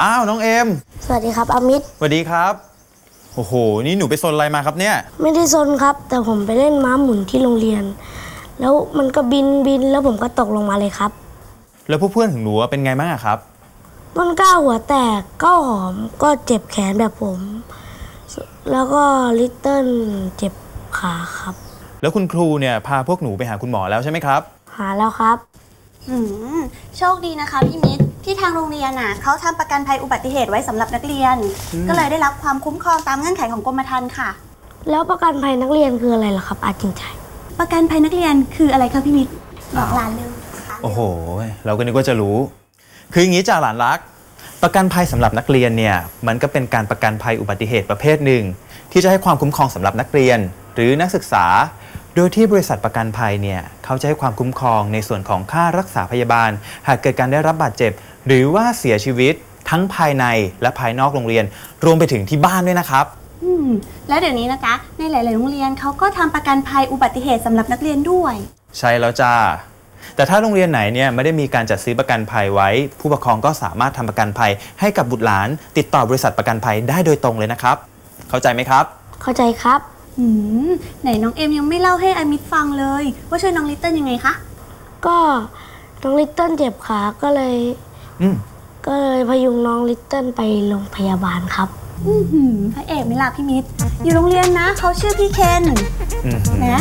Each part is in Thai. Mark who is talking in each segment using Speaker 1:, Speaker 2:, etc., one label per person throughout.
Speaker 1: อ้าวน้องเอ็ม
Speaker 2: สวัสดีครับอามิตร
Speaker 1: สวัสดีครับโอ้โหนี่หนูไปซนอะไรมาครับเนี่ย
Speaker 2: ไม่ได้ซนครับแต่ผมไปเล่นม้าหมุนที่โรงเรียนแล้วมันก็บินแล้วผมก็ตกลงมาเลยครับ
Speaker 1: แล้วพวกเพื่อนของหนูเป็นไงบ้างครับ
Speaker 2: ต้นกล้าหัวแตกก้าวหอมก็เจ็บแขนแบบผมแล้วก็ลิตเติ้ลเจ็บขาครับ
Speaker 1: แล้วคุณครูเนี่ยพาพวกหนูไปหาคุณหมอแล้วใช่ไหมครับ
Speaker 2: หาแล้วครับ
Speaker 3: โชคดีนะคะพี่มิตรที่ทางโรงเรียนเขาทำประกันภัยอุบัติเหตุไว้สำหรับนักเรียนก็เลยได้รับความคุ้มครองตามเงื่อนไขของกรมธรรม์ค่ะ
Speaker 2: แล้วประกันภัยนักเรียนคืออะไรล่ะครับอาจริงใจ
Speaker 3: ประกันภัยนักเรียนคืออะไรคะพี่มิตรบอกหลานเร็ว
Speaker 1: โอ้โหเราก็นึกว่าจะรู้คืออย่างนี้จ่าหลานรักประกันภัยสำหรับนักเรียนเนี่ยมันก็เป็นการประกันภัยอุบัติเหตุประเภทหนึ่งที่จะให้ความคุ้มครองสำหรับนักเรียนหรือนักศึกษาโดยที่บริษัทประกันภัยเนี่ยเขาจะให้ความคุ้มครองในส่วนของค่ารักษาพยาบาลหากเกิดการได้รับบาดเจ็บหรือว่าเสียชีวิตทั้งภายในและภายนอกโรงเรียนรวมไปถึงที่บ้านด้วยนะครับ
Speaker 3: แล้วเดี๋ยวนี้นะคะในหลายๆโรงเรียนเขาก็ทำประกันภัยอุบัติเหตุสำหรับนักเรียนด้วย
Speaker 1: ใช่แล้วจ้าแต่ถ้าโรงเรียนไหนเนี่ยไม่ได้มีการจัดซื้อประกันภัยไว้ผู้ปกครองก็สามารถทำประกันภัยให้กับบุตรหลานติดต่อบริษัทประกันภัยได้โดยตรงเลยนะครับเข้าใจไหมครับ
Speaker 2: เข้าใจครับ
Speaker 3: ไหนน้องเอ็มยังไม่เล่าให้อามิตรฟังเลยว่าช่วยน้องลิตเติ้ลยังไงคะ
Speaker 2: ก็น้องลิตเติ้ลเจ็บขาก็เลยพยุงน้องลิตเติ้ลไปโรงพยาบาลครับ
Speaker 3: พระเอกไม่ล่ะพี่มิตรอยู่โรงเรียนนะเขาชื่อพี่เคนนะ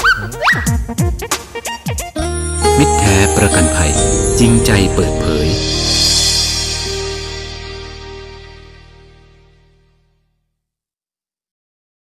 Speaker 4: มิตรแท้ประกันภัยจริงใจเปิดเผย